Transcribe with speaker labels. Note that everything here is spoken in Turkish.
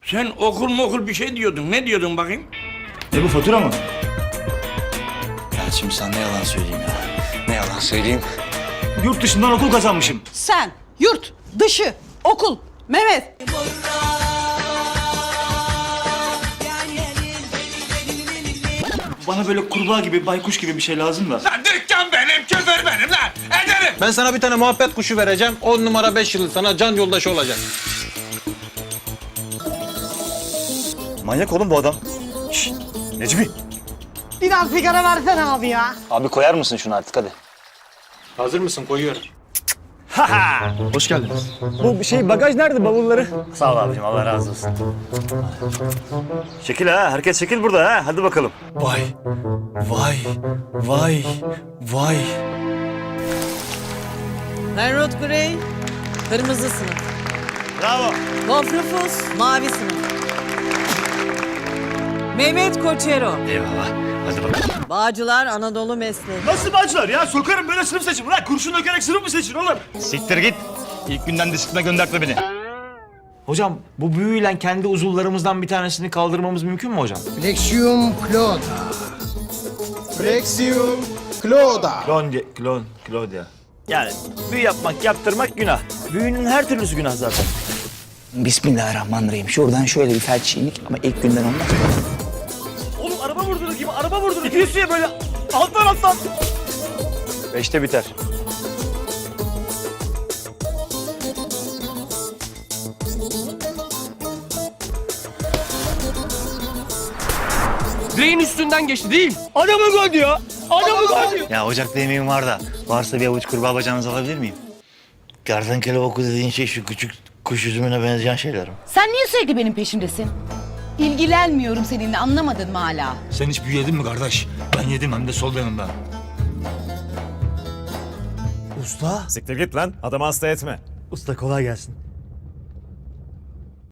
Speaker 1: Sen okul bir şey diyordun. Ne diyordun bakayım?
Speaker 2: Ne bu, fatura mı?
Speaker 3: Ya şimdi sana ne yalan söyleyeyim ya. Ne yalan söyleyeyim.
Speaker 2: Yurt dışından okul kazanmışım.
Speaker 4: Sen, yurt, dışı, okul, Mehmet.
Speaker 2: Bana böyle kurbağa gibi, baykuş gibi bir şey lazım da.
Speaker 1: Lan dükkan benim, küfür benim lan. Ederim.
Speaker 5: Ben sana bir tane muhabbet kuşu vereceğim. 10 numara 5 yıl sana can yoldaşı olacak.
Speaker 2: Manyak oğlum bu adam. Şşt, Necmi.
Speaker 6: Biraz sigara versene abi ya.
Speaker 3: Abi koyar mısın şunu artık hadi.
Speaker 5: Hazır mısın? Koyuyorum.
Speaker 2: Hoş geldiniz. Bu şey bagaj nerede, bavulları? Sağ ol abicim, Allah razı olsun. Şekil ha, herkes şekil burada ha. Hadi bakalım. Vay, vay.
Speaker 7: Henrot Grey, kırmızı sınıf.
Speaker 2: Bravo.
Speaker 7: Wolf Rufus, mavi sınıf. Mehmet Koçero,
Speaker 2: Eyvallah. Hadi bakalım.
Speaker 7: Bağcılar Anadolu Mesleği.
Speaker 2: Nasıl bacılar ya? Sokarım böyle sınıf seçim. Lan kurşun dökerek sınıf mı seçin oğlum? Siktir git. İlk günden disipline göndertme beni.
Speaker 8: Hocam bu büyüyle kendi uzuvlarımızdan bir tanesini kaldırmamız mümkün mü hocam?
Speaker 6: Flexium Clauda. Flexium Clauda.
Speaker 8: Claudia. Yani büyü yapmak, yaptırmak günah. Büyünün her türlüsü günah zaten.
Speaker 3: Bismillahirrahmanirrahim. Şuradan şöyle bir felçlilik ama ilk günden olmaz.
Speaker 2: Oğlum araba vurdunuz gibi, araba vurdunuz. İtiyorsun ya böyle. Alttan.
Speaker 8: 5'te biter.
Speaker 9: Direğin üstünden geçti değil.
Speaker 2: Adamı gol diyor.
Speaker 10: Ya ocakta yemeğim var da varsa bir avuç kurbağa bacağınızı alabilir miyim? Kertenkele oku dediğin şey şu küçük kuş üzümüne benzeyen şeyler mi?
Speaker 4: Sen niye sürekli benim peşimdesin? İlgilenmiyorum seninle, anlamadın mı hala?
Speaker 2: Sen hiç büyü yedin mi kardeş? Ben yedim, hem de sol yanımda.
Speaker 8: Usta.
Speaker 11: Siktir git lan. Adamı hasta etme.
Speaker 8: Usta kolay gelsin.